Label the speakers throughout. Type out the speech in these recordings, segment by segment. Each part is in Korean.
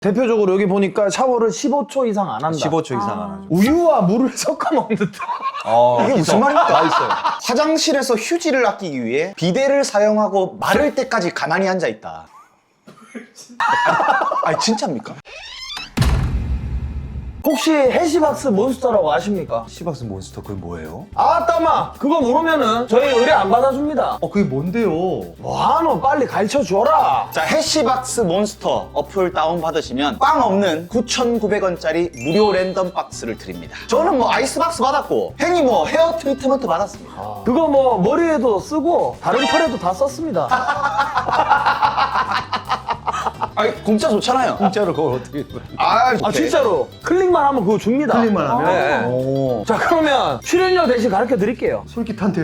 Speaker 1: 대표적으로 여기 보니까 샤워를 15초 이상 안 한다.
Speaker 2: 15초 이상 안 하죠.
Speaker 1: 우유와 물을 섞어 먹는다.
Speaker 3: 이게 무슨 말입니까? 맛있어요. 화장실에서 휴지를 아끼기 위해 비데를 사용하고 마를 때까지 가만히 앉아 있다. 아니 진짜입니까?
Speaker 1: 혹시 해시박스 몬스터라고 아십니까?
Speaker 2: 시박스 몬스터 그게 뭐예요?
Speaker 1: 아따마 그거 모르면은 저희 의뢰 안 받아줍니다.
Speaker 2: 그게 뭔데요?
Speaker 1: 뭐하노 빨리 가르쳐줘라.
Speaker 3: 자, 해시박스 몬스터 어플 다운받으시면 빵 없는 9,900원짜리 무료 랜덤 박스를 드립니다. 저는 뭐 아이스박스 받았고 행이 뭐 헤어 트리트먼트 받았습니다.
Speaker 1: 그거 뭐 머리에도 쓰고 다른 털에도 다 썼습니다.
Speaker 3: 아니 공짜 좋잖아요.
Speaker 2: 공짜로 그걸 어떻게
Speaker 3: 아,
Speaker 1: 아 진짜로 클릭만 하면 그거 줍니다.
Speaker 2: 클릭만 하면?
Speaker 1: 네.
Speaker 2: 오.
Speaker 1: 자 그러면 출연료 대신 가르쳐 드릴게요.
Speaker 2: 솔깃한데요?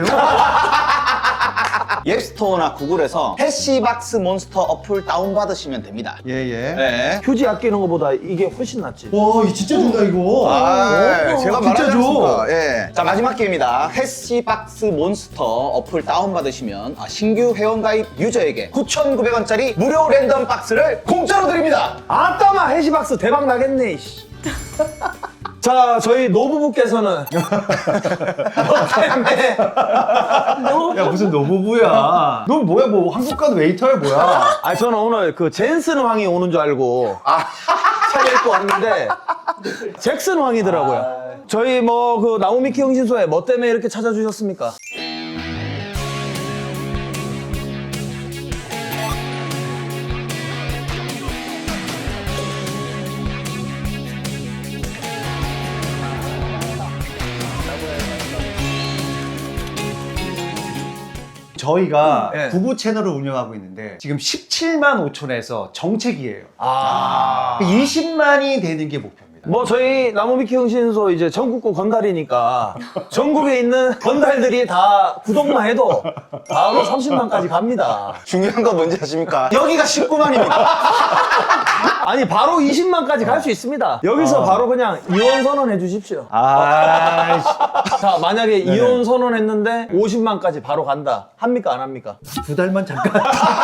Speaker 3: 앱스토어나 구글에서 해시박스 몬스터 어플 다운받으시면 됩니다.
Speaker 2: 예예.
Speaker 3: 네.
Speaker 1: 휴지 아끼는 것보다 이게 훨씬 낫지.
Speaker 2: 와, 이 진짜 준다 이거.
Speaker 3: 제가
Speaker 2: 진짜
Speaker 3: 말하지
Speaker 2: 줘.
Speaker 3: 않습니까? 예. 자, 마지막 기회입니다. 해시박스 몬스터 어플 다운받으시면 신규 회원가입 유저에게 9,900원짜리 무료 랜덤 박스를 공짜로 드립니다.
Speaker 1: 아따마 해시박스 대박 나겠네. 이씨. 자 저희 노부부께서는 너 때문에
Speaker 2: 야, 무슨 노부부야. 넌 뭐야, 뭐 한국간 웨이터야 뭐야?
Speaker 1: 아 저는 오늘 그 젠슨 황이 오는 줄 알고 책 읽고 왔는데 잭슨 황이더라고요. 저희 뭐 그 나우미키 형신소에 뭐 때문에 이렇게 찾아주셨습니까?
Speaker 2: 저희가
Speaker 1: 네.
Speaker 2: 부부 채널을 운영하고 있는데 지금 17만 5천에서 정책이에요.
Speaker 1: 아.
Speaker 2: 20만이 되는 게 목표입니다.
Speaker 1: 뭐 저희 나무미키 형신소 이제 전국구 건달이니까 전국에 있는 건달들이 다 구독만 해도 바로 30만까지 갑니다.
Speaker 3: 중요한 건 뭔지 아십니까? 여기가 19만입니다.
Speaker 1: 아니 바로 20만까지 갈 수 있습니다. 여기서 바로 그냥 이혼 선언해 주십시오.
Speaker 2: 아이씨.
Speaker 1: 자 만약에 이혼 선언했는데 50만까지 바로 간다. 합니까 안 합니까?
Speaker 2: 2달만 잠깐.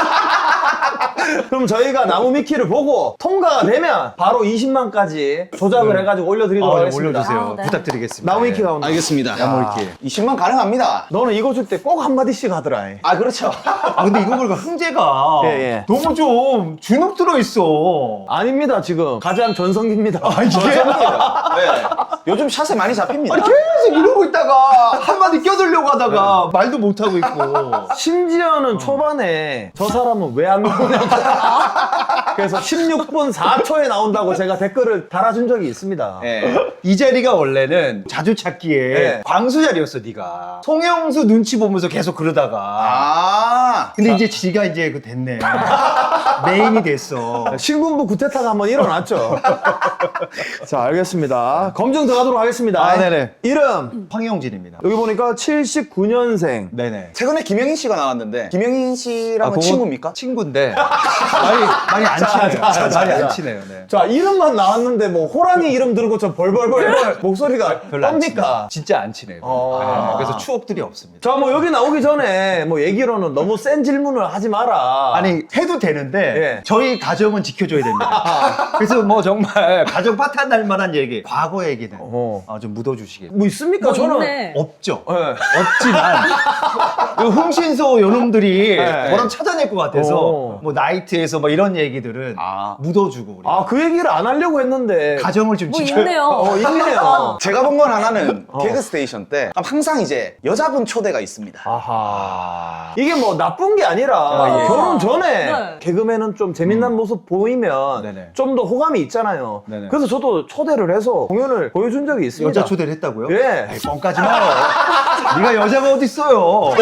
Speaker 1: 그럼 저희가 나무미키를 보고 통과가 되면 바로 20만까지 조작을 해가지고 올려드리도록 하겠습니다.
Speaker 2: 올려주세요.
Speaker 4: 아, 네.
Speaker 2: 부탁드리겠습니다.
Speaker 1: 나무미키가 온다.
Speaker 3: 알겠습니다.
Speaker 2: 나무위키.
Speaker 3: 20만 가능합니다.
Speaker 1: 너는 이거 줄 때 꼭 한마디씩 하더라.
Speaker 3: 아, 그렇죠.
Speaker 2: 근데 이거 보니까 흥재가
Speaker 1: 예, 예.
Speaker 2: 너무 좀 주눅 들어있어.
Speaker 1: 아닙니다 지금 가장 전성기입니다.
Speaker 3: 네. 요즘 샷에 많이 잡힙니다.
Speaker 2: 아니 계속 이러고 있다가 한마디 껴들려고 하다가 말도 못하고 있고.
Speaker 1: 심지어는 초반에 저 사람은 왜 안 나오냐고 그래서 16분 4초에 나온다고 제가 댓글을 달아준 적이 있습니다.
Speaker 3: 네.
Speaker 2: 이 자리가 원래는 자주 찾기에
Speaker 1: 네.
Speaker 2: 광수 자리였어 네가. 송영수 눈치 보면서 계속 그러다가.
Speaker 3: 아.
Speaker 2: 근데 이제 지가 이제 그 됐네. 메인이 됐어.
Speaker 1: 신군부 구태타가 한번 일어났죠. 자 알겠습니다. 검증 들어가도록 하겠습니다.
Speaker 2: 아, 네네.
Speaker 1: 이름
Speaker 2: 황영진입니다.
Speaker 1: 여기 보니까 79년생.
Speaker 2: 네네.
Speaker 3: 최근에 김영인 씨가 나왔는데 김영인 씨랑은 친구입니까?
Speaker 2: 친구인데 많이 안 친해요. 많이 안 친해요. 네.
Speaker 1: 자 이름만 나왔는데 뭐 호랑이 이름 들고 저 벌벌벌벌 목소리가
Speaker 2: 별로 안 친해요.
Speaker 1: 뭡니까?
Speaker 2: 진짜 안 친해요.
Speaker 1: 아.
Speaker 2: 그래서 추억들이 없습니다.
Speaker 1: 자 뭐 여기 나오기 전에 뭐 얘기로는 너무 센 질문을 하지 마라.
Speaker 2: 아니 해도 되는데
Speaker 1: 예.
Speaker 2: 저희 가정은 지켜줘야 됩니다. 그래서 뭐 정말 가정 파탄날 만한 얘기, 과거 얘기는 좀 묻어주시길.
Speaker 1: 뭐 있습니까?
Speaker 4: 뭐
Speaker 1: 저는
Speaker 4: 있네.
Speaker 2: 없죠.
Speaker 1: 예.
Speaker 2: 없지만 그 흥신소 요놈들이
Speaker 1: 네.
Speaker 2: 저랑 찾아낼 것 같아서
Speaker 1: 오.
Speaker 2: 뭐 나이트에서 뭐 이런 얘기들은
Speaker 3: 아.
Speaker 2: 묻어주고 우리
Speaker 1: 아 그 얘기를 안 하려고 했는데
Speaker 2: 가정을 좀
Speaker 4: 뭐
Speaker 2: 지켜.
Speaker 4: 있네요.
Speaker 1: 있네요.
Speaker 3: 제가 본 건 하나는 개그 스테이션 때 항상 이제 여자분 초대가 있습니다.
Speaker 1: 아하. 이게 뭐 나쁜 게 아니라
Speaker 2: 예.
Speaker 1: 결혼 전에
Speaker 4: 네.
Speaker 1: 개그맨은 좀 재미난 모습 보이면
Speaker 2: 네네.
Speaker 1: 좀 더 호감이 있잖아요.
Speaker 2: 네네.
Speaker 1: 그래서 저도 초대를 해서 공연을 보여준 적이 있습니다.
Speaker 2: 여자 초대를 했다고요?
Speaker 1: 예.
Speaker 2: 에이, 뻥까지 마. 네가 여자가 어디 있어요?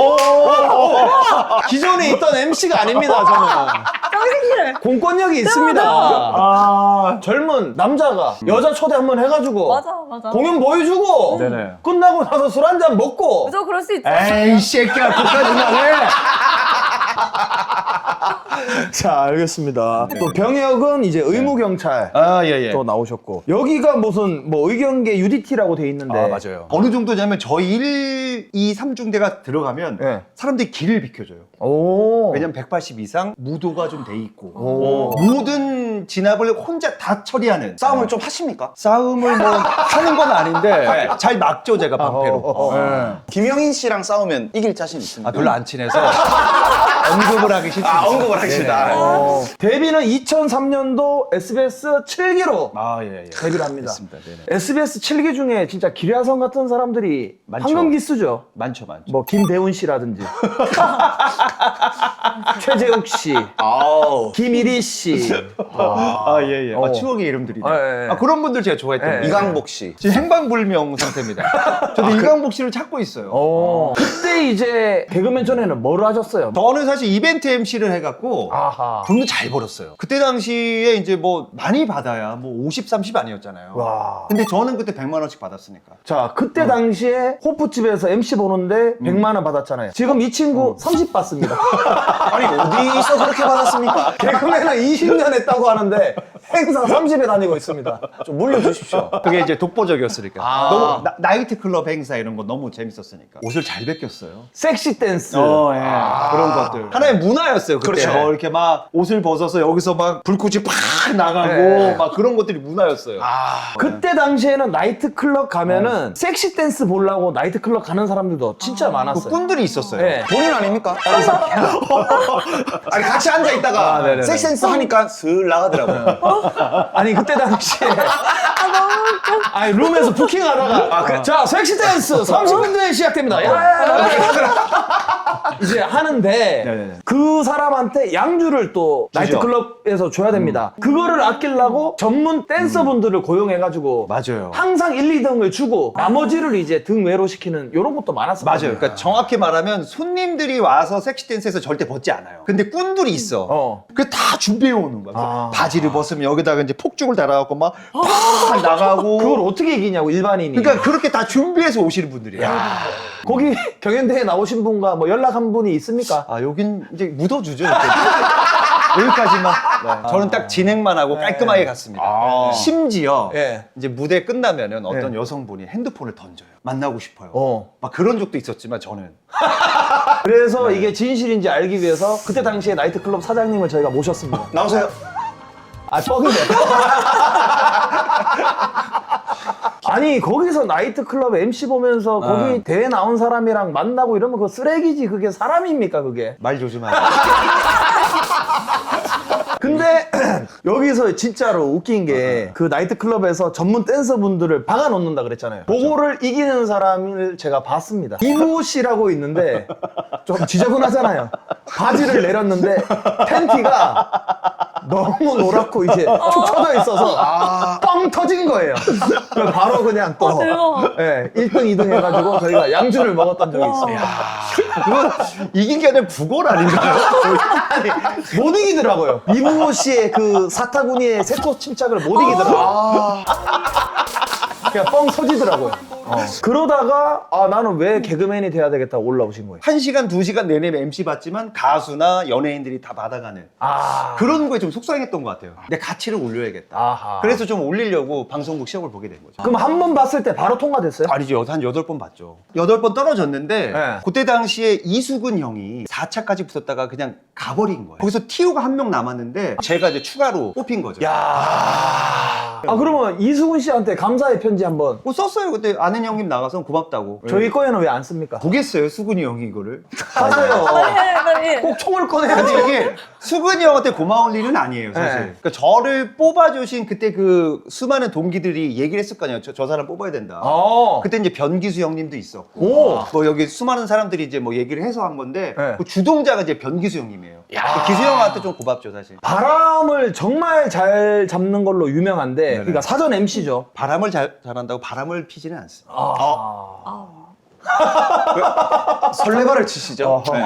Speaker 1: 기존에 있던 MC가 아닙니다, 저는.
Speaker 4: 정신실을.
Speaker 1: 공권력이 있습니다.
Speaker 2: 아,
Speaker 1: 젊은 남자가 여자 초대 한번 해가지고
Speaker 4: 맞아.
Speaker 1: 공연 보여주고
Speaker 2: 네네.
Speaker 1: 끝나고 나서 술 한잔 먹고
Speaker 4: 그죠, 그럴 수 있죠.
Speaker 2: 에이 새끼야 그까지 말해.
Speaker 1: 자 알겠습니다. 또 병역은 이제 의무경찰
Speaker 2: 아 예예.
Speaker 1: 또 나오셨고 여기가 무슨 뭐 의경계 UDT라고 돼 있는데
Speaker 2: 아 맞아요. 어느 정도냐면 저희 1, 2, 3중대가 들어가면
Speaker 1: 예.
Speaker 2: 사람들이 길을 비켜줘요.
Speaker 1: 오.
Speaker 2: 왜냐면 180 이상 무도가 좀 돼 있고
Speaker 1: 오.
Speaker 2: 모든 모든 진압을 혼자 다 처리하는
Speaker 3: 싸움을 좀 하십니까?
Speaker 2: 싸움을 뭐 하는 건 아닌데 잘 막죠 제가 방패로. 네.
Speaker 3: 김영인 씨랑 싸우면 이길 자신 있습니까?
Speaker 2: 아, 별로 안 친해서 언급을 하기 싫습니다.
Speaker 3: 언급을 하기 싫다.
Speaker 1: 데뷔는 2003년도 SBS 7기로
Speaker 2: 예.
Speaker 1: 데뷔를 합니다.
Speaker 2: 맞습니다. 네네.
Speaker 1: SBS 7기 중에 진짜 기량성 같은 사람들이
Speaker 2: 많죠.
Speaker 1: 황금기수죠.
Speaker 2: 많죠.
Speaker 1: 뭐 김대훈 씨라든지 최재욱 씨,
Speaker 3: 아우.
Speaker 1: 김일희 씨,
Speaker 2: 예. 추억의 이름들이네.
Speaker 1: 예.
Speaker 2: 그런 분들 제가 좋아했던
Speaker 1: 예.
Speaker 3: 이강복 씨.
Speaker 2: 지금 행방불명 상태입니다. 저도 이강복 씨를 찾고 있어요.
Speaker 1: 그때 이제 개그맨 전에는 뭐를 하셨어요?
Speaker 2: 저는 사실 이벤트 MC를 해갖고
Speaker 1: 아하.
Speaker 2: 돈도 잘 벌었어요. 그때 당시에 이제 뭐 많이 받아야 뭐 50, 30 아니었잖아요.
Speaker 1: 와.
Speaker 2: 근데 저는 그때 100만 원씩 받았으니까.
Speaker 1: 자, 그때 당시에 호프집에서 MC 보는데 100만 원 받았잖아요. 지금 이 친구 30 받습니다.
Speaker 3: 아니, 어디서 그렇게 받았습니까?
Speaker 1: 개그맨은 20년 했다고 하는데 행사 30에 다니고 있습니다.
Speaker 3: 좀 물려주십시오.
Speaker 2: 그게 이제 독보적이었으니까.
Speaker 3: 아.
Speaker 2: 너무 나이트 클럽 행사 이런 거 너무 재밌었으니까. 옷을 잘 벗겼어요.
Speaker 1: 섹시 댄스.
Speaker 2: 그런 것들. 하나의 문화였어요. 그때
Speaker 3: 그렇죠.
Speaker 2: 뭐 이렇게 막 옷을 벗어서 여기서 막 불꽃이 팍 나가고
Speaker 1: 네.
Speaker 2: 막 그런 것들이 문화였어요.
Speaker 1: 그때 당시에는 나이트클럽 가면은 섹시 댄스 보려고 나이트클럽 가는 사람들도 진짜
Speaker 2: 그
Speaker 1: 많았어요.
Speaker 2: 꾼들이 있었어요.
Speaker 1: 네.
Speaker 3: 본인 아닙니까? 아니, 같이 앉아있다가
Speaker 2: 네네네.
Speaker 3: 섹센스 하니까 슬 나가더라고요.
Speaker 1: 아니 그때 당시에 아니 룸에서 부킹하다가 자 섹시 댄스 30분 뒤에 시작됩니다. 야, 이제 하는데
Speaker 2: 네네네.
Speaker 1: 그 사람한테 양주를 또 나이트클럽에서 줘야 됩니다. 그거를 아끼려고 전문 댄서분들을 고용해가지고
Speaker 2: 맞아요.
Speaker 1: 항상 1, 2등을 주고 나머지를 이제 등외로 시키는 이런 것도 많았어요.
Speaker 2: 맞아요. 그러니까 정확히 말하면 손님들이 와서 섹시 댄스에서 절대 벗지 않아요. 근데 꾼들이 있어. 그 다 준비해 오는 거야. 바지를 벗으면 여기다가 이제 폭죽을 달아갖고 막 나가고.
Speaker 1: 그걸 어떻게 이기냐고 일반인이.
Speaker 2: 그러니까 그렇게 다 준비해서 오시는 분들이야.
Speaker 1: 거기 경연대회 나오신 분과 뭐 연락 한 분이 있습니까?
Speaker 2: 아 여긴 이제 묻어주죠. 이렇게. 여기까지만. 네. 저는 딱 진행만 하고 깔끔하게 갔습니다. 심지어
Speaker 1: 예.
Speaker 2: 이제 무대 끝나면은 어떤 여성분이 핸드폰을 던져요. 만나고 싶어요. 막 그런 적도 있었지만 저는
Speaker 1: 그래서 이게 진실인지 알기 위해서 그때 당시에 나이트클럽 사장님을 저희가 모셨습니다.
Speaker 3: 나오세요.
Speaker 1: 아, 뻥이네. 아니, 거기서 나이트클럽 MC 보면서 거기 대회 나온 사람이랑 만나고 이러면 그거 쓰레기지. 그게 사람입니까, 그게?
Speaker 2: 말 조심하세요.
Speaker 1: 근데 여기서 진짜로 웃긴 게 그 나이트클럽에서 전문 댄서분들을 박아놓는다 그랬잖아요. 그거를 이기는 사람을 제가 봤습니다. 이무 씨라고 있는데 좀 지저분하잖아요. 바지를 내렸는데 팬티가 너무 노랗고 이제 축 처져 있어서 뻥 터진 거예요. 그래서 바로 그냥 또
Speaker 4: 대박.
Speaker 1: 예, 1등, 2등 해가지고 저희가 양주를 먹었던 적이 있습니다.
Speaker 2: 그거 이긴 게 아니라 부골 아닌가요?
Speaker 1: 아니, 못 이기더라고요. 이무 씨의 그 사타구니의 세코 침착을 못 이기더라고요. 그냥 뻥 터지더라고요. 그러다가 나는 왜 개그맨이 돼야 되겠다고 올라오신 거예요.
Speaker 2: 1시간, 2시간 내내 MC 받지만 가수나 연예인들이 다 받아가는 그런 거에 좀 속상했던 것 같아요. 내 가치를 올려야겠다.
Speaker 1: 아하.
Speaker 2: 그래서 좀 올리려고 방송국 시험을 보게 된 거죠.
Speaker 1: 그럼 한 번 봤을 때 바로 통과됐어요?
Speaker 2: 아니죠. 한 8번 봤죠. 8번 떨어졌는데
Speaker 1: 네.
Speaker 2: 그때 당시에 이수근 형이 4차까지 붙었다가 그냥 가버린 거예요. 거기서 티오가 한 명 남았는데 제가 이제 추가로 뽑힌 거죠.
Speaker 1: 그러면 이수근 씨한테 감사의 편지 한번.
Speaker 2: 뭐 썼어요. 그때 아는 형님 나가서 고맙다고.
Speaker 1: 저희 거에는 왜 안 씁니까?
Speaker 2: 보겠어요. 수근이 형이 이거를.
Speaker 1: 하세요.
Speaker 4: 빨리.
Speaker 1: 꼭 총을
Speaker 2: 근데
Speaker 1: 꺼내야지.
Speaker 2: 이게 수근이 형한테 고마울 일은 아니에요, 사실.
Speaker 1: 네.
Speaker 2: 그러니까 저를 뽑아주신 그때 그 수많은 동기들이 얘기를 했을 거 아니에요. 저 사람 뽑아야 된다. 그때 이제 변기수 형님도 있었고.
Speaker 1: 오.
Speaker 2: 뭐 여기 수많은 사람들이 이제 뭐 얘기를 해서 한 건데
Speaker 1: 네.
Speaker 2: 그 주동자가 이제 변기수 형님이에요. 그 기수 형한테 좀 고맙죠, 사실.
Speaker 1: 바람을 정말 잘 잡는 걸로 유명한데, 그러니까 사전 MC죠.
Speaker 2: 바람을 잘한다고 바람을 피지는 않습니다.
Speaker 3: 설레발을 치시죠? 네.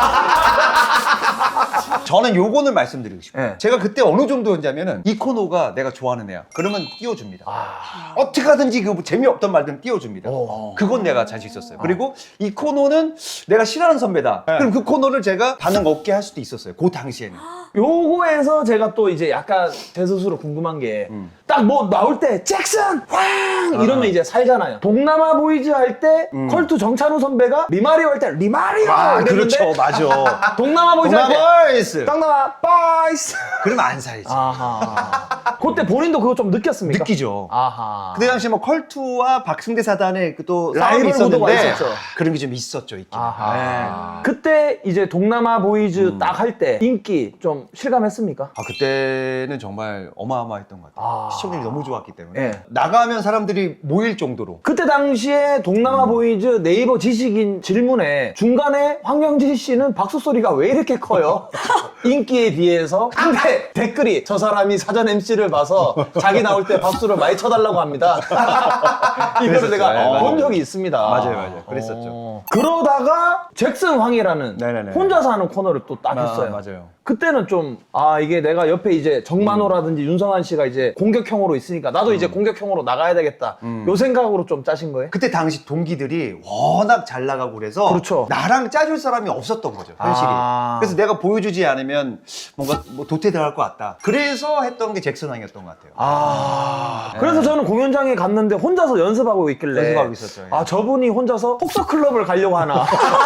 Speaker 2: 저는 요거는 말씀드리고 싶어요.
Speaker 1: 네.
Speaker 2: 제가 그때 어느 정도였냐면은 이 코너가 내가 좋아하는 애야. 그러면 띄워줍니다. 어떻게 하든지 그 재미없던 말든 띄워줍니다. 그건 내가 자신 있었어요. 그리고 이 코너는 내가 싫어하는 선배다. 그럼 그 코너를 제가 반응 없게 할 수도 있었어요. 그 당시에는.
Speaker 1: 요거에서 제가 또 이제 약간 제 스스로 궁금한 게, 딱 뭐 나올 때, 잭슨! 황! 이러면 이제 살잖아요. 동남아 보이즈 할 때, 컬투 정찬우 선배가 리마리오 할 때, 리마리오! 이랬는데
Speaker 2: 그렇죠. 맞아.
Speaker 1: 동남아 보이즈 할
Speaker 2: 보이스.
Speaker 1: 깡남아 빠이스.
Speaker 2: 그러면 안 살지.
Speaker 1: 아하. 그때 본인도 그거 좀 느꼈습니까?
Speaker 2: 느끼죠.
Speaker 1: 아하.
Speaker 2: 그때 당시 뭐 컬투와 박승대 사단의 그또
Speaker 1: 라이벌
Speaker 2: 싸움이
Speaker 1: 구도가
Speaker 2: 있었는데
Speaker 1: 있었죠.
Speaker 2: 그런 게 좀 있었죠, 있긴.
Speaker 1: 아하. 그때 이제 동남아 보이즈 딱 할 때 인기 좀 실감했습니까?
Speaker 2: 아, 그때는 정말 어마어마했던 것 같아요.
Speaker 1: 아.
Speaker 2: 시청률이 너무 좋았기 때문에
Speaker 1: 예.
Speaker 2: 나가면 사람들이 모일 정도로.
Speaker 1: 그때 당시에 동남아 보이즈 네이버 지식인 질문에 중간에 황영진 씨는 박수 소리가 왜 이렇게 커요? 인기에 비해서. 근데 댓글이 저 사람이 사전 MC를 봐서 자기 나올 때 박수를 많이 쳐달라고 합니다. 이거를
Speaker 2: 그랬었죠.
Speaker 1: 내가
Speaker 2: 네,
Speaker 1: 본
Speaker 2: 맞아요.
Speaker 1: 적이 있습니다.
Speaker 2: 맞아요. 그랬었죠.
Speaker 1: 그러다가 잭슨 황이라는
Speaker 2: 네네네.
Speaker 1: 혼자서 하는 코너를 또 딱 했어요.
Speaker 2: 맞아요.
Speaker 1: 그때는 좀, 이게 내가 옆에 이제 정만호라든지 윤성한 씨가 이제 공격형으로 있으니까 나도 이제 공격형으로 나가야 되겠다. 요 생각으로 좀 짜신 거예요?
Speaker 2: 그때 당시 동기들이 워낙 잘 나가고 그래서
Speaker 1: 그렇죠.
Speaker 2: 나랑 짜줄 사람이 없었던 거죠, 현실이.
Speaker 1: 아.
Speaker 2: 그래서 내가 보여주지 않으면 뭔가 뭐 도태될 것 같다. 그래서 했던 게 잭슨왕이었던 것 같아요.
Speaker 1: 그래서 저는 공연장에 갔는데 혼자서 연습하고 있길래.
Speaker 2: 연습하고 있었죠. 예.
Speaker 1: 저분이 혼자서 폭서클럽을 가려고 하나.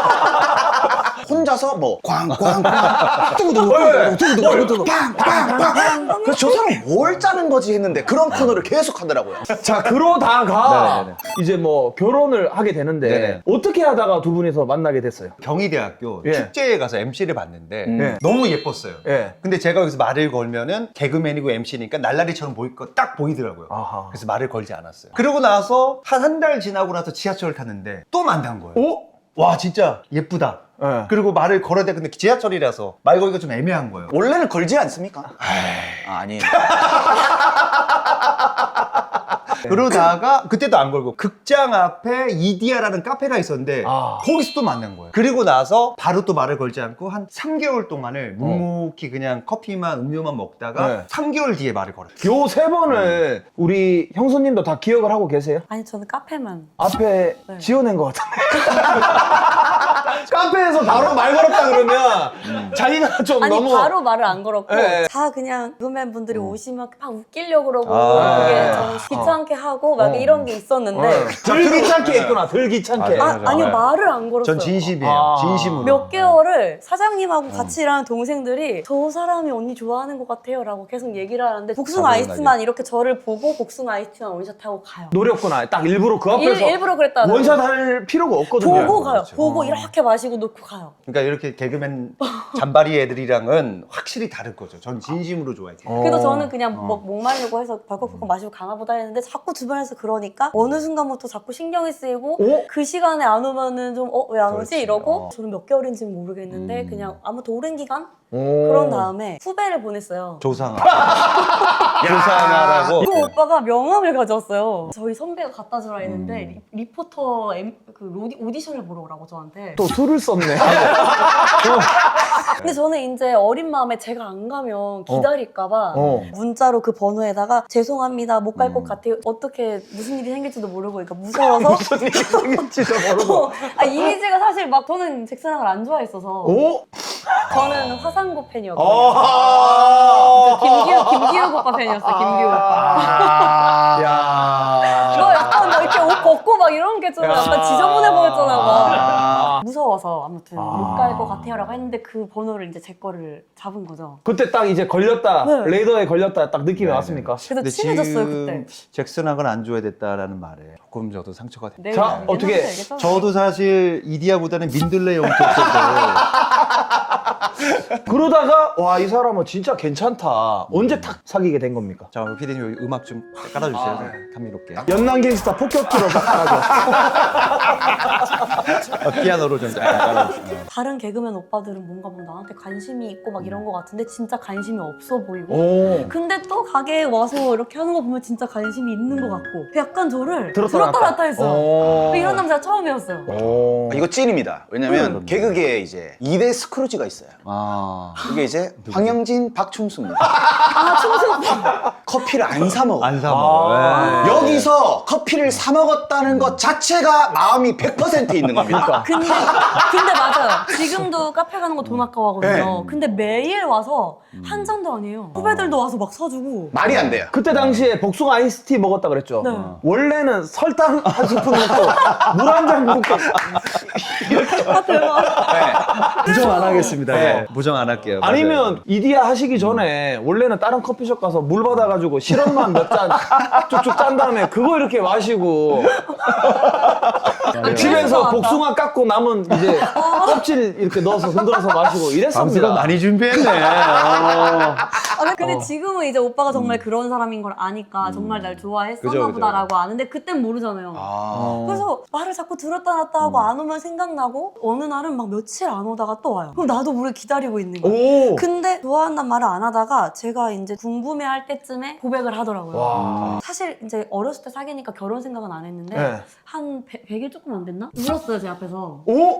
Speaker 3: 혼자서 뭐 꽝꽝꽝 뚜구두구 빵빵빵 그래서 저 사람 뭘 짜는 거지 했는데 그런 코너를 계속 하더라고요.
Speaker 1: 자, 그러다가
Speaker 2: 네네네.
Speaker 1: 이제 뭐 결혼을 하게 되는데
Speaker 2: 네네.
Speaker 1: 어떻게 하다가 두 분이서 만나게 됐어요?
Speaker 2: 경희대학교
Speaker 1: 예.
Speaker 2: 축제에 가서 MC를 봤는데
Speaker 1: 예.
Speaker 2: 너무 예뻤어요.
Speaker 1: 예.
Speaker 2: 근데 제가 여기서 말을 걸면은 개그맨이고 MC니까 날라리처럼 보일 거 딱 보이더라고요.
Speaker 1: 아하.
Speaker 2: 그래서 말을 걸지 않았어요. 그러고 나서 한 달 지나고 나서 지하철을 탔는데 또 만난 거예요.
Speaker 1: 오?
Speaker 2: 와, 진짜 예쁘다.
Speaker 1: 예.
Speaker 2: 그리고 말을 걸어야 돼. 근데 지하철이라서 말 걸기가 좀 애매한 거예요.
Speaker 3: 원래는 걸지 않습니까? 아니에요.
Speaker 2: 그러다가 그때도 안 걸고 극장 앞에 이디야라는 카페가 있었는데
Speaker 1: 아.
Speaker 2: 거기서 또 만난 거예요. 그리고 나서 바로 또 말을 걸지 않고 한 3개월 동안을 묵묵히 그냥 커피만 음료만 먹다가
Speaker 1: 네.
Speaker 2: 3개월 뒤에 말을 걸었어요.
Speaker 1: 요 세 번을 우리 형수님도 다 기억을 하고 계세요?
Speaker 4: 아니 저는 카페만.
Speaker 1: 앞에
Speaker 4: 네.
Speaker 1: 지어낸 것 같은데. 카페에서 바로 말 걸었다 그러면 자기가 좀
Speaker 4: 아니
Speaker 1: 너무
Speaker 4: 바로 말을 안 걸었고
Speaker 1: 예.
Speaker 4: 다 그냥 개그맨 분들이 오시면 막 웃기려고 그러고
Speaker 2: 아.
Speaker 4: 그게 저는 귀찮게 하고 막 이런 게 있었는데
Speaker 1: 들 귀찮게 했구나. 들 귀찮게.
Speaker 2: 맞아요.
Speaker 4: 아니요 말을 안 걸었어요.
Speaker 2: 전 진심이에요.
Speaker 1: 아.
Speaker 2: 진심으로.
Speaker 4: 몇 개월을 사장님하고 같이 일하는 동생들이 저 사람이 언니 좋아하는 것 같아요 라고 계속 얘기를 하는데 복숭아 아이스만 이렇게 저를 보고 복숭아 아이스만 원샷하고 가요.
Speaker 1: 노렸구나. 딱 일부러 그 앞에서
Speaker 4: 일부러 그랬다.
Speaker 1: 원샷 할 필요가 없거든요.
Speaker 4: 보고 가요.
Speaker 2: 그렇죠.
Speaker 4: 보고 이렇게 마시고 놓고 가요.
Speaker 2: 그러니까 이렇게 개그맨 잔바리 애들이랑은 확실히 다를 거죠. 전 진심으로 좋아해요.
Speaker 4: 그래서 저는 그냥 목마르고 해서 벌컥벌컥 마시고 가나보다 했는데 자꾸 주변에서 그러니까 어느 순간부터 자꾸 신경이 쓰이고
Speaker 1: 오?
Speaker 4: 그 시간에 안 오면은 좀 왜 안 오지
Speaker 2: 그렇지.
Speaker 4: 이러고 저는 몇 개월인지는 모르겠는데 그냥 아무튼 오랜 기간
Speaker 1: 오.
Speaker 4: 그런 다음에 후배를 보냈어요.
Speaker 2: 조상아. 조상아라고.
Speaker 4: 그 오빠가 명함을 가져왔어요. 저희 선배가 갖다 주라 했는데 리포터 오디션을 보러 오라고 저한테.
Speaker 1: 또 술을 썼네.
Speaker 4: 근데 저는 이제 어린 마음에 제가 안 가면 기다릴까봐
Speaker 1: 어.
Speaker 4: 문자로 그 번호에다가 죄송합니다 못 갈 것 같아요. 어떻게 무슨 일이 생길지도 모르고 그러니까 무서워서
Speaker 1: 무슨 일이 생길지도 모르고.
Speaker 4: 이미지가 사실 막 저는 잭슨왕을 안 좋아했어서
Speaker 1: 오?
Speaker 4: 저는 화상구 팬이었거든요.
Speaker 1: 아.
Speaker 4: 김기욱 오빠 팬이었어요. 김기욱 오빠.
Speaker 1: 야.
Speaker 4: 너 약간 너 이렇게 옷 벗고 막 이런 게 좀 약간 지저분해 보였잖아. 막. 무서워서 아무튼 못 갈 것 같아요라고 했는데 그 번호를 이제 제 거를 잡은 거죠.
Speaker 1: 그때 딱 이제 걸렸다.
Speaker 4: 네.
Speaker 1: 레이더에 걸렸다. 딱 느낌이 왔습니까?
Speaker 4: 그래서 친해졌어요 그때.
Speaker 2: 잭슨하고는 안 줘야 됐다라는 말에 조금 저도 상처가 돼요.
Speaker 4: 네,
Speaker 1: 자, 어떻게-
Speaker 4: 옛날부터 얘기했잖아요.
Speaker 2: 저도 사실 이디야보다는 민들레 영토였어요.
Speaker 1: 그러다가 와, 이 사람은 진짜 괜찮다. 언제 탁 사귀게 된 겁니까?
Speaker 2: 자, 우리 피디님 여기 음악 좀 깔아주세요. 감미롭게.
Speaker 1: 연남 갱스타 폭격기로 딱 깔아줘.
Speaker 2: 피아노로 좀 약간 깔아주세요.
Speaker 4: 다른 개그맨 오빠들은 뭔가 막 나한테 관심이 있고 막 이런 거 같은데 진짜 관심이 없어 보이고
Speaker 1: 오.
Speaker 4: 근데 또 가게에 와서 이렇게 하는 거 보면 진짜 관심이 있는 것 같고 약간 저를
Speaker 1: 들었다
Speaker 4: 들었다
Speaker 1: 놨다.
Speaker 4: 놨다 했어.
Speaker 1: 오.
Speaker 4: 이런 남자가 처음이었어요.
Speaker 1: 오.
Speaker 3: 이거 찐입니다. 왜냐면 개그계에 이제 2대 스크루지가 있어요.
Speaker 2: 아.
Speaker 3: 이게 이제 황영진, 박충수입니다.
Speaker 4: 아 충성.
Speaker 3: 커피를 안 사 먹어.
Speaker 2: 안 사 먹어. 예.
Speaker 3: 여기서 커피를 사 먹었다는 것 자체가 마음이 100% 있는 겁니다.
Speaker 4: 근데 맞아요. 지금도 카페 가는 거 돈 아까워하거든요. 근데 매일 와서 한 잔도 아니에요. 후배들도 와서 막 사주고.
Speaker 3: 말이 안 돼요.
Speaker 1: 그때 당시에 복숭아 아이스티 먹었다 그랬죠?
Speaker 4: 네.
Speaker 1: 원래는 설탕 한 스푼 넣고 물 한 잔 붓고
Speaker 4: 아 대박.
Speaker 2: 부정 안 하겠습니다.
Speaker 3: 네.
Speaker 2: 예. 부정 안 할게요.
Speaker 1: 아니면 이디야 하시기 전에 원래는 다른 커피숍 가서 물 받아가지고 시럽만 몇 잔 쭉쭉 짠 다음에 그거 이렇게 마시고 집에서
Speaker 4: 맞다.
Speaker 1: 복숭아 깎고 남은 이제 껍질 이렇게 넣어서 흔들어서 마시고
Speaker 2: 방수가
Speaker 1: 이랬습니다.
Speaker 2: 많이 준비했네.
Speaker 4: 근데 지금은 이제 오빠가 정말 그런 사람인 걸 아니까 정말 날 좋아했었나
Speaker 2: 그죠, 그죠.
Speaker 4: 보다라고 아는데 그땐 모르잖아요. 그래서 말을 자꾸 들었다 놨다 하고 안 오면 생각나고 어느 날은 막 며칠 안 오다가 또 와요. 그럼 나도 모르게 기다리고 있는 거예요.
Speaker 1: 오.
Speaker 4: 근데 좋아한다는 말을 안 하다가 제가 이제 궁금해할 때쯤에 고백을 하더라고요.
Speaker 1: 와.
Speaker 4: 사실 이제 어렸을 때 사귀니까 결혼 생각은 안 했는데
Speaker 1: 네.
Speaker 4: 한 100일 조금 안 됐나? 울었어요 제 앞에서.
Speaker 1: 오.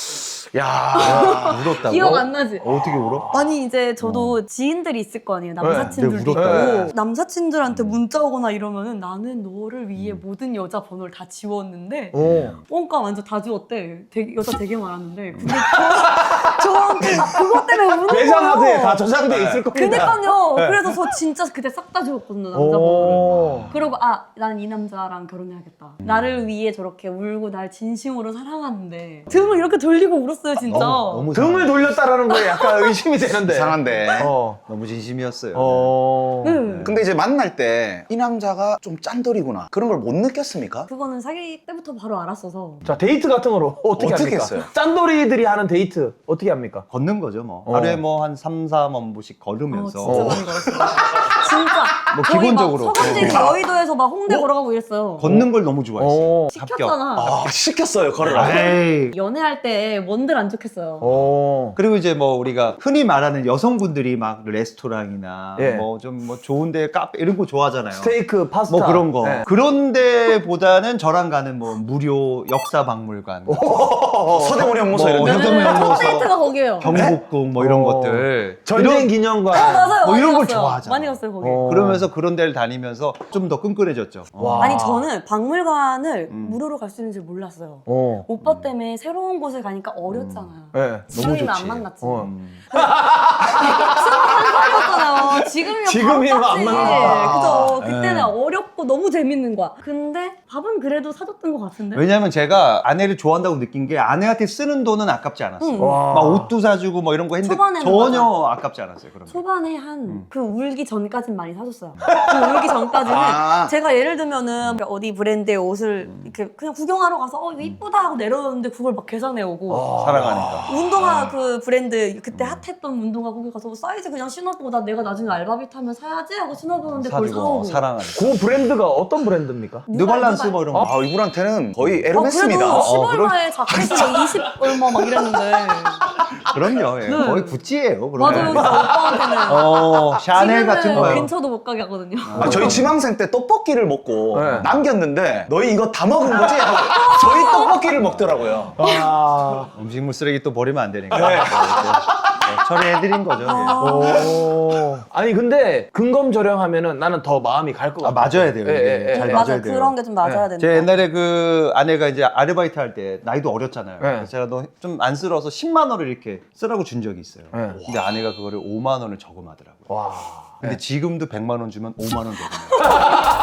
Speaker 1: 야.
Speaker 2: 울었다고?
Speaker 4: 기억 안 나지?
Speaker 2: 어떻게 울어?
Speaker 4: 아니 이제 저도 지인들이 있을 거 아니에요. 남사친들도
Speaker 2: 네, 울었다.
Speaker 4: 있고 남사친들한테 문자 오거나 이러면은 나는 너를 위해 모든 여자 번호를 다 지웠는데
Speaker 1: 오.
Speaker 4: 뻥까 완전 다 지웠대. 여자 되게 많았는데 근데 저한테 그것 때문에 우는 거예요.
Speaker 1: 매장하드에 다 저장돼 있을 겁니다.
Speaker 4: 그니까요. 그래서 저 진짜 그때 싹 다 지웠거든요 남자 번호를.
Speaker 1: 오.
Speaker 4: 그러고 나는 이 남자랑 결혼해야겠다. 나를 위해 저렇게 울고 날 진심으로 사랑하는데 등을 이렇게 돌리고 울었어요 진짜.
Speaker 2: 너무
Speaker 1: 등을 돌렸다라는 거에 약간 의심이 되는데.
Speaker 3: 이상한데.
Speaker 2: 너무 진심이었어요.
Speaker 4: 네.
Speaker 3: 근데 이제 만날 때 이 남자가 좀 짠돌이구나. 그런 걸 못 느꼈습니까?
Speaker 4: 그거는 사귈 때부터 바로 알았어서.
Speaker 1: 자, 데이트 같은 거로 어떻게
Speaker 3: 어떻게
Speaker 1: 합니까?
Speaker 3: 했어요?
Speaker 1: 짠돌이들이 하는 데이트 어떻게 합니까?
Speaker 2: 걷는 거죠, 뭐.
Speaker 1: 어.
Speaker 2: 하루에 뭐 한 3, 4만보씩 걸으면서.
Speaker 4: 진짜 많이 걸었어요. 진짜.
Speaker 2: 뭐
Speaker 4: 저희
Speaker 2: 기본적으로.
Speaker 4: 막 서강대에서 여의도에서 막 홍대 걸어가고 이랬어요.
Speaker 2: 걷는 걸 너무 좋아했어요.
Speaker 4: 시켰잖아.
Speaker 3: 시켰어요, 걸으라고.
Speaker 2: 에이.
Speaker 4: 연애할 때 뭔들 안 좋겠어요.
Speaker 1: 오.
Speaker 2: 그리고 이제 뭐 우리가 흔히 말하는 여성분들이 막 레스토랑이나
Speaker 1: 예.
Speaker 2: 뭐 좀 뭐 좋은데 카페 이런 거 좋아하잖아요.
Speaker 1: 스테이크, 파스타.
Speaker 2: 뭐 그런 거.
Speaker 1: 네.
Speaker 2: 그런 데보다는 저랑 가는 뭐 무료 역사박물관,
Speaker 3: 서대문이 형무소
Speaker 2: 뭐
Speaker 3: 이런 데.
Speaker 2: 현대문
Speaker 4: 첫
Speaker 2: 연구소,
Speaker 4: 데이트가 거기예요.
Speaker 2: 경복궁 뭐 이런
Speaker 1: 어.
Speaker 2: 것들.
Speaker 1: 전쟁 기념관.
Speaker 4: 맞아요.
Speaker 2: 뭐
Speaker 4: 많이
Speaker 2: 이런 걸
Speaker 4: 갔어요.
Speaker 2: 좋아하잖아.
Speaker 4: 많이 갔어요 거기.
Speaker 2: 그러면서 그런 데를 다니면서 좀 더 끈끈해졌죠.
Speaker 1: 와.
Speaker 4: 아니 저는 박물관을 무료로 갈 수 있는 줄 몰랐어요.
Speaker 1: 어.
Speaker 4: 오빠 때문에 새로운 곳에 가니까 어렸잖아요.
Speaker 1: 네.
Speaker 4: 지금이면 안
Speaker 2: 좋지.
Speaker 4: 만났지.
Speaker 1: 어.
Speaker 4: 21살이었잖아요.
Speaker 1: 지금이면 안 만나.
Speaker 4: 그죠. 그때는 어렵고 너무 재밌는 거야. 근데 밥은 그래도 사줬던 것 같은데.
Speaker 2: 왜냐면 제가 아내를 좋아한다고 느낀 게 아내한테 쓰는 돈은 아깝지 않았어요.
Speaker 4: 응.
Speaker 1: 와.
Speaker 2: 막 옷도 사주고 뭐 이런 거 했는데
Speaker 4: 초반에는
Speaker 2: 전혀 아깝지 않았어요. 그런 거.
Speaker 4: 초반에 한 그 울기 전까진 많이 사줬어요. 그 울기 전까지는
Speaker 3: 아.
Speaker 4: 제가 예를 들면은 어디 브랜드의 옷을 이렇게 그냥 구경하러 가서 이거 이쁘다 하고 내려놓는데 그걸 막 계산해 오고
Speaker 2: 사랑하니까.
Speaker 4: 운동화 그 브랜드 그때 핫했던 운동화 거기 가서 사이즈 그냥 신어보고 나 내가 나중에 알바비 타면 사야지 하고 신어보는데 그걸
Speaker 2: 사주고
Speaker 4: 사오고
Speaker 2: 사랑하니까.
Speaker 1: 그 브랜드가 어떤 브랜드입니까?
Speaker 2: 뉴발란스 뭐 이런 거.
Speaker 3: 아, 이분한테는 거의
Speaker 4: 그래도
Speaker 3: 에르메스입니다.
Speaker 4: 10얼마에 자켓이 20 얼마 막 이랬는데
Speaker 2: 그럼요. 예.
Speaker 4: 네.
Speaker 2: 거의 구찌예요. 그러면.
Speaker 4: 맞아요 진짜 오빠한테는
Speaker 2: 샤넬 같은 거요.
Speaker 4: 근처도 못 가게 하거든요.
Speaker 3: 저희 지망생 때 떡볶이를 먹고
Speaker 1: 네.
Speaker 3: 남겼는데 너희 이거 다 먹은 거지? 하고 저희 떡볶이를 먹더라고요.
Speaker 1: 아.
Speaker 2: 음식물 쓰레기 또 버리면 안 되니까.
Speaker 3: 네.
Speaker 2: 처리해드린 거죠.
Speaker 1: 오. 아니 근데 근검절약하면은 나는 더 마음이 갈 것 같아.
Speaker 2: 맞아야 돼요.
Speaker 1: 예,
Speaker 2: 이게.
Speaker 1: 예, 예.
Speaker 2: 잘
Speaker 4: 맞아
Speaker 2: 맞아야 돼요.
Speaker 4: 그런 게 좀 맞아야 된다.
Speaker 2: 제 옛날에 그 아내가 이제 아르바이트 할 때 나이도 어렸잖아요.
Speaker 1: 네.
Speaker 2: 그래서 제가 너 좀 안쓰러워서 10만 원을 이렇게 쓰라고 준 적이 있어요.
Speaker 1: 네.
Speaker 2: 근데 아내가 그거를 5만 원을 저금하더라고요.
Speaker 1: 와.
Speaker 2: 근데 지금도 100만 원 주면 5만 원 저금해요.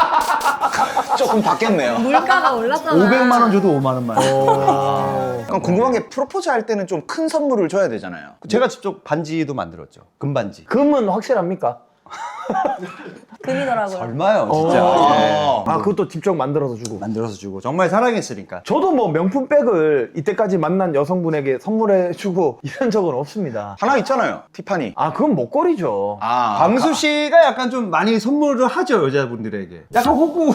Speaker 3: 조금 바뀌었네요.
Speaker 4: 물가가 올랐잖아.
Speaker 2: 500만 원 줘도 5만 원만.
Speaker 3: 그럼 궁금한 게 프로포즈 할 때는 좀 큰 선물을 줘야 되잖아요.
Speaker 2: 제가 직접 반지도 만들었죠. 금반지.
Speaker 1: 금은 확실합니까?
Speaker 4: 금이더라고요.
Speaker 2: 얼마요, 진짜. 예.
Speaker 1: 아 그것도 직접 만들어서 주고.
Speaker 2: 만들어서 주고 정말 사랑했으니까.
Speaker 1: 저도 뭐 명품백을 이때까지 만난 여성분에게 선물해주고 이런 적은 없습니다.
Speaker 3: 하나 있잖아요. 티파니.
Speaker 1: 아 그건 목걸이죠.
Speaker 3: 아,
Speaker 2: 광수 씨가 약간 좀 많이 선물을 하죠, 여자분들에게. 약간 호구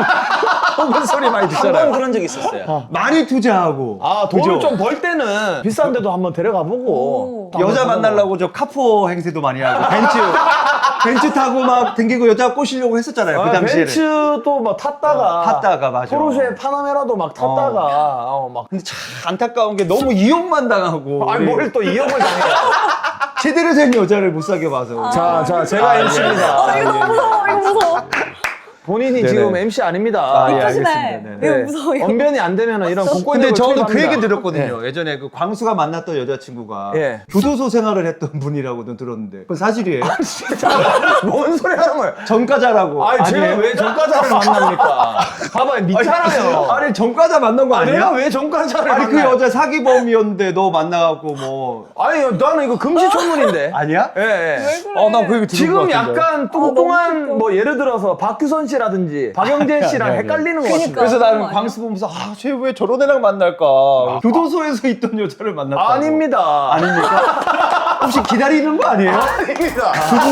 Speaker 2: 소리 많이
Speaker 3: 한 번
Speaker 2: 듣잖아요.
Speaker 3: 그런 적이 있었어요.
Speaker 2: 많이 투자하고.
Speaker 1: 아 돈을
Speaker 2: 그죠?
Speaker 1: 좀 벌 때는 비싼 데도 한번 데려가 보고.
Speaker 2: 여자 만나려고 저 카포 행세도 많이 하고 벤츠 타고 막 댕기고 여자 꼬시려고 했었잖아요. 그 당시에는.
Speaker 1: 벤츠도 막 탔다가
Speaker 2: 탔다가 맞아.
Speaker 1: 포르쉐 파나메라도 막 탔다가 막
Speaker 2: 근데 참 안타까운 게 너무 이용만 당하고.
Speaker 1: 아니 뭘 또 이용을 당해요.
Speaker 2: 제대로 된 여자를 못 사게 봐서.
Speaker 1: 자 제가 MC입니다.
Speaker 4: 이거 너무 무서워. 이거 무서워.
Speaker 1: 본인이
Speaker 2: 네네.
Speaker 1: 지금 MC 아닙니다.
Speaker 2: 아, 예,
Speaker 4: 조심해.
Speaker 2: 알겠습니다. 네네.
Speaker 4: 이거 무서워. 이거.
Speaker 1: 언변이 안 되면 이런 공권력을
Speaker 2: 근데 저는 그
Speaker 1: 투입합니다.
Speaker 2: 얘기 들었거든요. 예전에 그 광수가 만났던 여자친구가
Speaker 1: 예.
Speaker 2: 교도소 생활을 했던 분이라고는 들었는데 그건 사실이에요?
Speaker 1: 뭔 소리 하는 거예요?
Speaker 2: 전과자라고.
Speaker 1: 아니 제가
Speaker 2: 아니에요?
Speaker 1: 왜 전과자를 만납니까? 봐봐요, 믿잖아요.
Speaker 2: 아니 전과자 만난 거 아니야?
Speaker 1: 내가 왜 전과자를
Speaker 2: 아니 그
Speaker 1: 만나요?
Speaker 2: 여자 사기범이었는데 너 만나갖고 뭐
Speaker 1: 아니 나는 이거 금시초문인데.
Speaker 2: 아니야?
Speaker 1: 예, 예.
Speaker 4: 왜 그래?
Speaker 2: 나 그 얘기 들은 것
Speaker 1: 지금
Speaker 2: 같은데.
Speaker 1: 약간 뚱뚱한 뭐 예를 들어서 박규선 씨라든지 박영재 씨랑
Speaker 2: 아니, 아니.
Speaker 1: 헷갈리는 것
Speaker 4: 그러니까.
Speaker 1: 같은데.
Speaker 2: 그래서 나는
Speaker 4: 아니야?
Speaker 2: 광수 보면서 쟤 왜 저런 애랑 만날까? 교도소에서 있던 여자를 만났다고.
Speaker 1: 아닙니다.
Speaker 2: 아닙니까? 혹시 기다리는 거 아니에요?
Speaker 1: 아닙니다.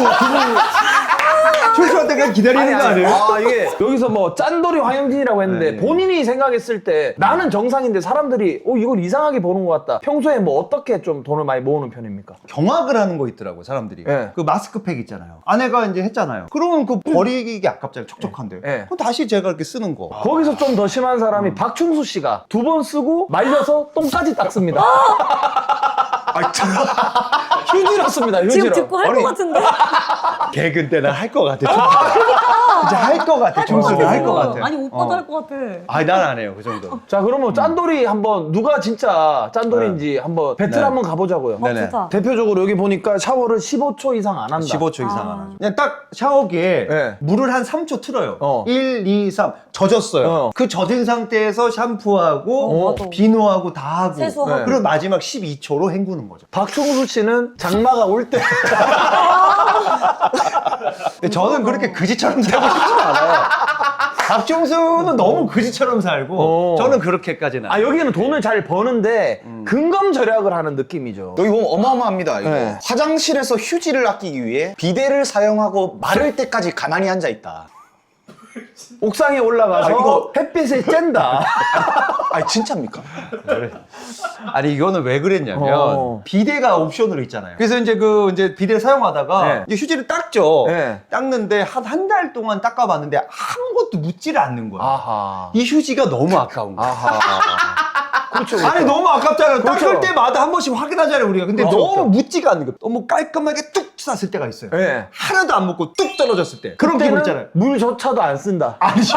Speaker 2: 출소할 때 그냥 기다리는 거 아니에요?
Speaker 1: 아 이게 여기서 뭐 짠돌이 황영진이라고 했는데
Speaker 2: 네.
Speaker 1: 본인이 생각했을 때 나는 정상인데 사람들이 이걸 이상하게 보는 것 같다. 평소에 뭐 어떻게 좀 돈을 많이 모으는 편입니까?
Speaker 2: 경악을 하는 거 있더라고 사람들이.
Speaker 1: 네.
Speaker 2: 그 마스크팩 있잖아요. 아내가 이제 했잖아요. 그러면 그 버리기 아깝잖아요. 촉촉한데.
Speaker 1: 네.
Speaker 2: 그럼 다시 제가 이렇게 쓰는 거.
Speaker 1: 거기서 좀 더 심한 사람이 박충수 씨가 2번 쓰고 말려서 똥까지 닦습니다. 휴지로 씁니다. 휴지로.
Speaker 4: 지금 듣고 할 것 같은데?
Speaker 2: 개근 때는 할 것 같아. 진짜 할 것 같아. 충수는 할 것 같아.
Speaker 4: 아니 오빠도 할 것 같아.
Speaker 2: 아니 난 안 해요 그 정도.
Speaker 1: 자 그러면 짠돌이 한번 누가 진짜 짠돌인지 한번 배틀
Speaker 2: 네.
Speaker 1: 한번 가보자고요.
Speaker 2: 네네.
Speaker 4: 좋다.
Speaker 1: 대표적으로 여기 보니까 샤워를 15초 이상 안 한다.
Speaker 2: 15초 이상 안
Speaker 4: 아.
Speaker 2: 하죠. 그냥 딱 샤워기에
Speaker 1: 네.
Speaker 2: 물을 한 3초 틀어요.
Speaker 1: 어.
Speaker 2: 1, 2, 3 젖었어요. 그 젖은 상태에서 샴푸하고
Speaker 4: 맞아.
Speaker 2: 비누하고 다 하고
Speaker 4: 세수하고.
Speaker 1: 네.
Speaker 2: 그리고 마지막 12초로 헹구는 거죠.
Speaker 1: 박충수 씨는 장마가 올 때.
Speaker 2: 근데 저는 그렇게 그지처럼 살고 싶지 않아요. 박종수는 너무 그지처럼 살고
Speaker 1: 어.
Speaker 2: 저는 그렇게까지는
Speaker 1: 아 여기는 돈을 잘 버는데 근검 절약을 하는 느낌이죠.
Speaker 3: 여기 보면 어마어마합니다. 이거.
Speaker 1: 네.
Speaker 3: 화장실에서 휴지를 아끼기 위해 비데를 사용하고 마를 때까지 가만히 앉아 있다.
Speaker 1: 옥상에 올라가서
Speaker 3: 이거-
Speaker 1: 햇빛을 쬐다.
Speaker 3: 아니 진짜입니까?
Speaker 2: 아니 이거는 왜 그랬냐면
Speaker 1: 어.
Speaker 2: 비데가 옵션으로 있잖아요. 그래서 이제 비데를 사용하다가
Speaker 1: 네.
Speaker 2: 이제 휴지를 닦죠.
Speaker 1: 네.
Speaker 2: 닦는데 한 달 동안 닦아봤는데 아무것도 묻지를 않는 거야.
Speaker 1: 아하.
Speaker 2: 이 휴지가 너무 아까운 거야.
Speaker 1: 아하. 그렇죠.
Speaker 2: 아니 너무 아깝잖아요.
Speaker 1: 그렇죠.
Speaker 2: 닦을 때마다 한 번씩 확인하잖아요 우리가. 근데
Speaker 1: 그렇죠,
Speaker 2: 너무
Speaker 1: 그렇죠.
Speaker 2: 묻지가 않는 거. 너무 깔끔하게 뚝 쌌을 때가 있어요.
Speaker 1: 네.
Speaker 2: 하나도 안 묻고 뚝 떨어졌을 때. 그런 기분 있잖아요.
Speaker 1: 물조차도 안 쓴다.
Speaker 2: 아니죠.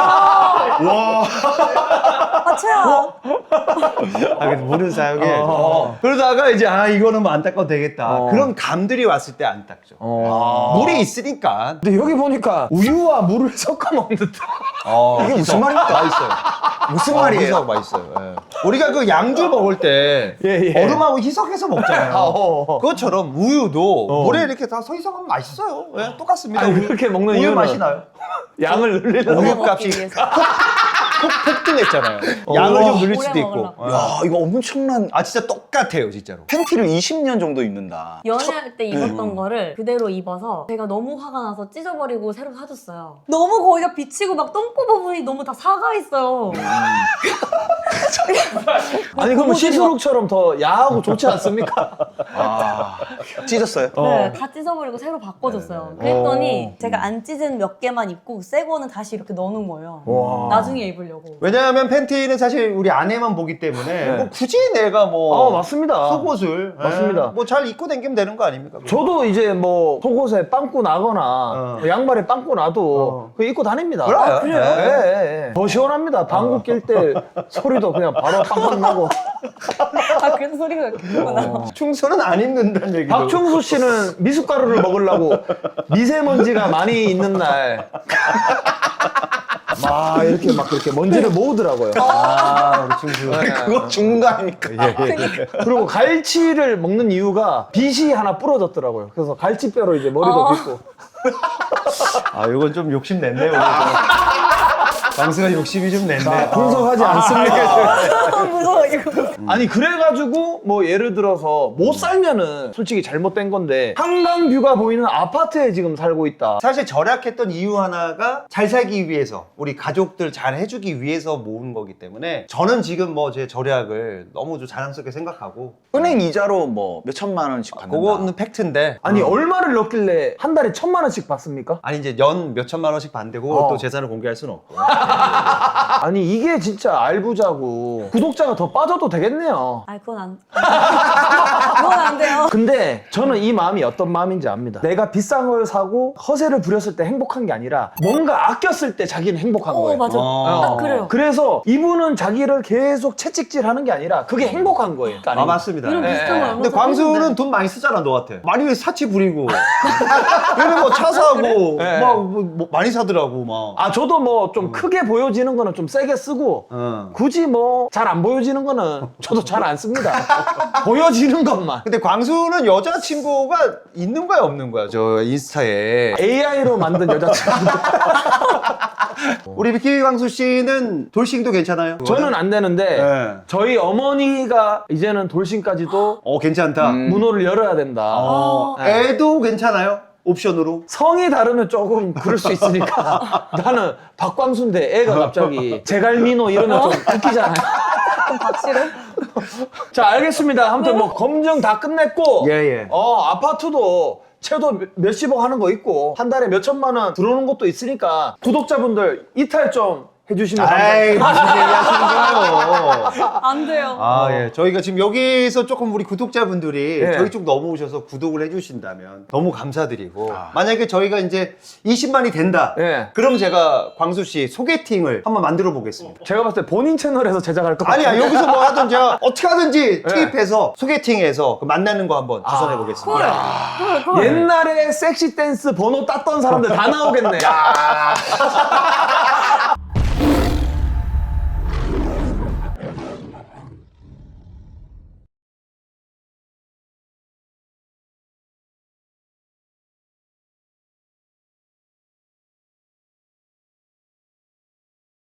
Speaker 4: 아 최악.
Speaker 2: 아, 근데 물은 사용해.
Speaker 1: 어.
Speaker 2: 그러다가 이제 이거는 뭐 안 닦아도 되겠다.
Speaker 1: 어.
Speaker 2: 그런 감들이 왔을 때 안 닦죠. 물이 있으니까.
Speaker 1: 근데 여기 보니까 우유와 물을 섞어 먹는 듯.
Speaker 3: 이게 무슨 말입니까?
Speaker 2: 맛있어요.
Speaker 3: 무슨 말이에요?
Speaker 2: 맛있어요. 예. 우리가 그 양주 먹을 때
Speaker 1: 예, 예.
Speaker 2: 얼음하고 희석해서 먹잖아요.
Speaker 1: 어.
Speaker 2: 그것처럼 우유도 물에 이렇게 다 희석하면 맛있어요. 예, 똑같습니다.
Speaker 1: 아니, 그렇게 먹는
Speaker 2: 우유
Speaker 1: 이유는
Speaker 2: 맛이 나요.
Speaker 1: 양을 늘리려고.
Speaker 2: 우유
Speaker 4: 먹기
Speaker 2: 값이
Speaker 4: 위해서.
Speaker 2: 폭등했잖아요. 양을 좀 늘릴
Speaker 4: 오래
Speaker 2: 수도 있고.
Speaker 4: 먹으려고.
Speaker 3: 야 이거 엄청난
Speaker 2: 진짜 똑같아요, 진짜로.
Speaker 3: 팬티를 20년 정도 입는다.
Speaker 4: 연애할 때 입었던 거를 그대로 입어서 제가 너무 화가 나서 찢어버리고 새로 사줬어요. 너무 거기가 비치고 막 똥꼬 부분이 너무 다 사가 있어요.
Speaker 1: 아니 그러면 시스룩처럼 더 야하고 좋지 않습니까?
Speaker 3: 찢었어요?
Speaker 4: 네, 다 찢어버리고 새로 바꿔줬어요. 그랬더니 제가 안 찢은 몇 개만 입고 새 거는 다시 이렇게 넣어놓은 거예요.
Speaker 1: 와.
Speaker 4: 나중에 입으려고.
Speaker 2: 왜냐하면 팬티는 사실 우리 아내만 보기 때문에 뭐 굳이 내가 뭐
Speaker 1: 맞습니다.
Speaker 2: 속옷을
Speaker 1: 맞습니다.
Speaker 2: 뭐 잘 입고 다니면 되는 거 아닙니까?
Speaker 1: 저도 이제 뭐 속옷에 빵꾸 나거나 양말에 빵꾸 나도 그거 입고 다닙니다.
Speaker 2: 그래요?
Speaker 4: 그래요?
Speaker 1: 예, 예. 더 시원합니다. 방구 낄 때 소리도 그냥 바로 빵빵 나고.
Speaker 4: 아 그래서 소리가 이렇게 크구나.
Speaker 2: 충수는 안 입는다는 얘기도.
Speaker 1: 박충수 씨는 미숫가루를 먹으려고 미세먼지가 많이 있는 날. 막 이렇게 막 그렇게 먼지를 모으더라고요.
Speaker 2: 우리 충수.
Speaker 3: 그거 죽는 거 아닙니까?
Speaker 1: 그리고 갈치를 먹는 이유가 빗이 하나 부러졌더라고요. 그래서 갈치뼈로 이제 머리도 빗고.
Speaker 2: 이건 좀 욕심 냈네, 우리. 광수가 욕심이 좀 냈네.
Speaker 1: 분석하지 않습니다.
Speaker 4: 무서워 이거.
Speaker 1: 아니 그래가지고 뭐 예를 들어서 못 살면은 솔직히 잘못된 건데 한강뷰가 보이는 아파트에 지금 살고 있다.
Speaker 2: 사실 절약했던 이유 하나가 잘 살기 위해서, 우리 가족들 잘 해주기 위해서 모은 거기 때문에 저는 지금 뭐 제 절약을 너무 좀 자랑스럽게 생각하고.
Speaker 3: 은행 이자로 뭐 몇 천만 원씩 받는다.
Speaker 2: 그거는 팩트인데.
Speaker 1: 아니 얼마를 넣길래 한 달에 1,000만 원씩 받습니까?
Speaker 2: 아니 이제 연 몇 천만 원씩 받는데 그거 또 재산을 공개할 수는 없고.
Speaker 1: 아니 이게 진짜 알부자고 구독자가 더 빠져도 되겠네요.
Speaker 4: 아, 그건 안 그건 안 돼요.
Speaker 1: 근데 저는 이 마음이 어떤 마음인지 압니다. 내가 비싼 걸 사고 허세를 부렸을 때 행복한 게 아니라 뭔가 아꼈을 때 자기는 행복한 거예요.
Speaker 4: 맞아. 딱 그래요.
Speaker 1: 그래서 이분은 자기를 계속 채찍질하는 게 아니라 그게 행복한 거예요.
Speaker 2: 아 맞습니다.
Speaker 4: 이런 비슷한 걸 얼마
Speaker 2: 근데
Speaker 4: 전에
Speaker 2: 광수는
Speaker 4: 했는데.
Speaker 2: 돈 많이 쓰잖아 너한테. 많이 사치 부리고. 얘는 뭐 차 사고
Speaker 1: 네.
Speaker 2: 뭐 많이 사더라고 막.
Speaker 1: 아 저도 뭐 좀 크게 보여지는 거는 좀 세게 쓰고 굳이 뭐 잘 안 보여지는 거는 저도 잘 안 씁니다. 보여지는 것만.
Speaker 2: 근데 광수는 여자친구가 있는 거야 없는 거야? 저 인스타에.
Speaker 1: AI로 만든 여자친구.
Speaker 2: 우리 미키 광수 씨는 돌싱도 괜찮아요?
Speaker 1: 저는 안 되는데
Speaker 2: 네.
Speaker 1: 저희 어머니가 이제는 돌싱까지도
Speaker 2: 괜찮다.
Speaker 1: 문호를 열어야 된다. 네.
Speaker 2: 애도 괜찮아요? 옵션으로?
Speaker 1: 성이 다르면 조금 그럴 수 있으니까 나는 박광수인데 애가 갑자기 제갈민호 이러면 좀 웃기잖아요.
Speaker 4: 그럼 박씨로?
Speaker 1: 자 알겠습니다. 아무튼 뭐 검증 다 끝냈고
Speaker 2: 예.
Speaker 1: 아파트도 채도 몇십억 하는 거 있고 한 달에 몇천만 원 들어오는 것도 있으니까 구독자분들 이탈 좀 해주시면
Speaker 2: 아이
Speaker 1: 감사합니다.
Speaker 2: 무슨 얘기 하시는 거예요?
Speaker 4: 안 돼요.
Speaker 2: 아, 예. 저희가 지금 여기서 조금 우리 구독자분들이
Speaker 1: 예.
Speaker 2: 저희 쪽 넘어오셔서 구독을 해주신다면 너무 감사드리고 만약에 저희가 이제 20만이 된다.
Speaker 1: 예.
Speaker 2: 그럼 제가 광수 씨 소개팅을 한번 만들어 보겠습니다.
Speaker 1: 제가 봤을 때 본인 채널에서 제작할 것 같아요.
Speaker 2: 아니야, 여기서 뭐 하든 제가 어떻게 하든지 투입해서 소개팅해서 그 만나는 거 한번 주선해 보겠습니다.
Speaker 4: 헐.
Speaker 1: 옛날에 섹시 댄스 번호 땄던 사람들 다 나오겠네.